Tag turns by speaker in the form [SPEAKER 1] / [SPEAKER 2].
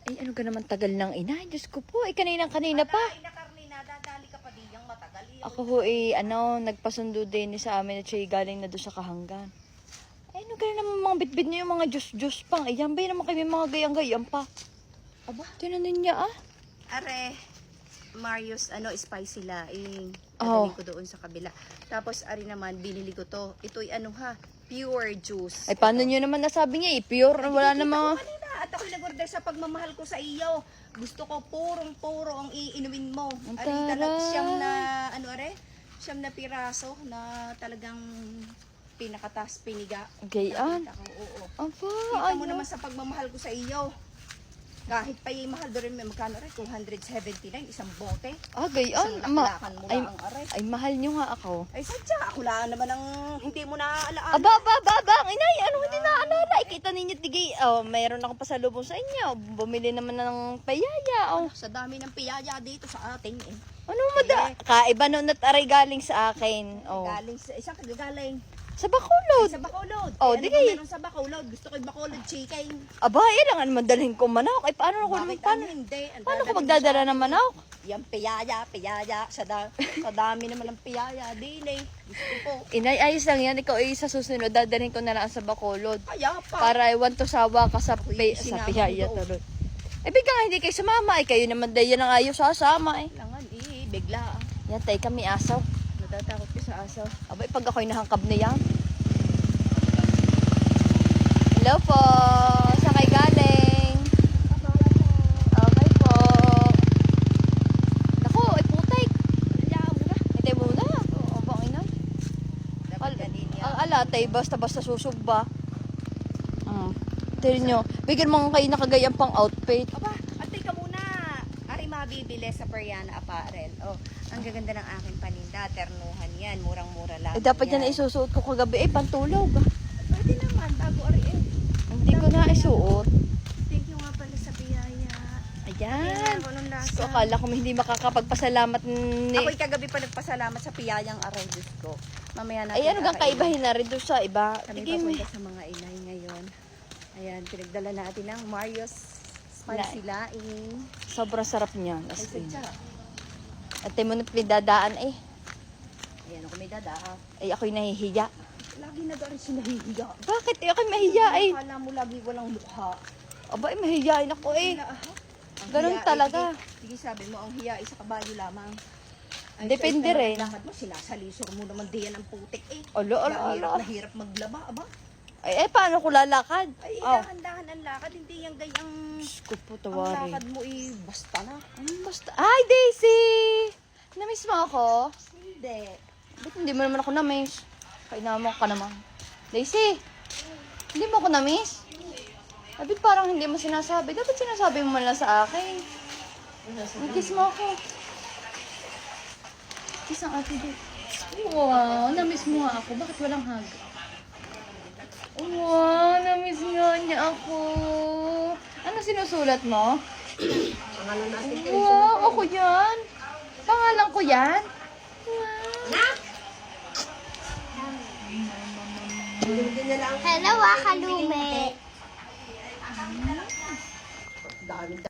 [SPEAKER 1] Ay, ano ka naman tagal ng ina? Diyos ko po, kanina pa.
[SPEAKER 2] Ina Carlina, dadali ka pa diyang matagal.
[SPEAKER 1] Ako ho nagpasundo din sa amin at siya galing na doon sa Kahanggan. Ay, ano ka naman mga bitbit niyo yung mga Diyos pang. Ayan ba yun naman kayo mga gayang-gayang pa? Aba, tinanin niya
[SPEAKER 2] Are, Marius, spicy laing.
[SPEAKER 1] Oh.
[SPEAKER 2] Dadali ko doon sa kabila. Tapos, ari naman, binili ko to. Ito'y pure juice.
[SPEAKER 1] Ay, paano niyo naman nasabi niya pure? Wala namang...
[SPEAKER 2] At ako'y nag-order sa pagmamahal ko sa iyo. Gusto ko purong-puro ang iinumin mo. Ari talaga siyam na piraso na talagang pinakatas piniga.
[SPEAKER 1] Gayaan.
[SPEAKER 2] Oo.
[SPEAKER 1] Aba,
[SPEAKER 2] Kita mo naman sa pagmamahal ko sa iyo. Kahit pa yung mahal doon, may magkano rin? 279, isang bote.
[SPEAKER 1] Gayaan.
[SPEAKER 2] Isang laklakan mo lang ang aray.
[SPEAKER 1] Ay, mahal niyo nga ako.
[SPEAKER 2] Ay, sadya. Ako lang naman ang hindi mo naaalaan.
[SPEAKER 1] Aba, inay, hindi naalala? Kita ninyo, tigay, mayroon akong pasalubong sa inyo. Bumili naman ng payaya,
[SPEAKER 2] Sa dami ng piyaya dito sa atin eh.
[SPEAKER 1] Ano kaiba noon at aray galing sa akin.
[SPEAKER 2] Galing sa isang kagagaling.
[SPEAKER 1] Sa Bacolod.
[SPEAKER 2] Sa Bacolod.
[SPEAKER 1] Di kay.
[SPEAKER 2] Meron sa Bacolod. Gusto ko yung Bacolod chicken.
[SPEAKER 1] Aba, lang naman dalhin ko manok. Ay, paano ko
[SPEAKER 2] Hindi.
[SPEAKER 1] Paano ko magdadala ng manok?
[SPEAKER 2] Yan, piyaya. Sa dami naman ng piyaya. Dili. Gusto ko.
[SPEAKER 1] Inay, ayos lang yan. Ikaw sa susunod, dadalhin ko na lang sa Bacolod.
[SPEAKER 2] Kaya pa.
[SPEAKER 1] Para iwan to sawa ka sa piyaya. Eh, biglang hindi kayo sumama. Kayo naman dahil yan ang ayaw sasama
[SPEAKER 2] Langan bigla.
[SPEAKER 1] Yan, tayo kami asaw.
[SPEAKER 2] Natatakot ko sa asaw.
[SPEAKER 1] Aba, pag ako'y nahangkab na yan. Hello po. Saan kayo galing? Okay po. Naku, ay putay. Hintay muna. Oo, bang ina. Ang alatay, basta-basta susugba. Tignan nyo. Bigyan mo kayo nakagayang pang outfit.
[SPEAKER 2] Aba, atay ka muna. Ari mabibili sa Periana Apparel. Ang gaganda ng aking paninda. Ternuhan yan. Murang-mura lang.
[SPEAKER 1] Dapat yan na isusuot ko kagabi. Pantulog.
[SPEAKER 2] Pwede naman. Bago ari
[SPEAKER 1] Hindi ko na isuot.
[SPEAKER 2] Thank you nga pala sa biyaya.
[SPEAKER 1] Ayan.
[SPEAKER 2] Ako nung lasa.
[SPEAKER 1] So, akala ko hindi makakapagpasalamat ni...
[SPEAKER 2] Ako'y kagabi pa nagpasalamat sa piyayang aray, Diyos ko. Mamaya natin.
[SPEAKER 1] Ay, ano gang kaibahin na rin doon sa iba?
[SPEAKER 2] Kami papunta sa mga inay ngayon. Ayan, pinagdala natin ng Marius Spicy Laing.
[SPEAKER 1] Sobrang sarap niyan.
[SPEAKER 2] Ay, sadya.
[SPEAKER 1] At tayo mo na pinadadaan
[SPEAKER 2] Ayan, ako may dadaa.
[SPEAKER 1] Ay, ako'y nahihiya.
[SPEAKER 2] Lagi na doon siya nahihiya.
[SPEAKER 1] Bakit? Ako'y mahiya
[SPEAKER 2] Akala mo lagi walang mukha.
[SPEAKER 1] Aba, mahihiyain ako Ganun talaga.
[SPEAKER 2] Sige, sabi mo, ang hiya ay sa kabayo lamang.
[SPEAKER 1] Depende rin.
[SPEAKER 2] Lakad mo, sinasalisor mo naman diyan ang putik
[SPEAKER 1] Alo.
[SPEAKER 2] Nahirap maglaba, aba.
[SPEAKER 1] Ay, paano ko lalakad?
[SPEAKER 2] Ay, dahan-dahan ang lakad. Hindi yung gayang...
[SPEAKER 1] Ko po,
[SPEAKER 2] Ang
[SPEAKER 1] tawari.
[SPEAKER 2] lakad mo basta na.
[SPEAKER 1] Basta. Ay, Daisy! Namiss mo ako?
[SPEAKER 2] Hindi.
[SPEAKER 1] Ba't hindi mo naman ako namiss? Kainaman ka naman. Daisy! Hindi mo ako namiss? Dapat parang hindi mo sinasabi. Dapat sinasabi mo man lang sa akin. Kiss mo ako. Kiss ang ate dito. Wow, namiss mo nga ako. Bakit walang hug? Wow, namiss nga niya ako. Ano sinusulat mo?
[SPEAKER 2] Pangalan natin
[SPEAKER 1] Wow, ako yan. Pangalan ko yan. Wow.
[SPEAKER 3] Hello, Kalume.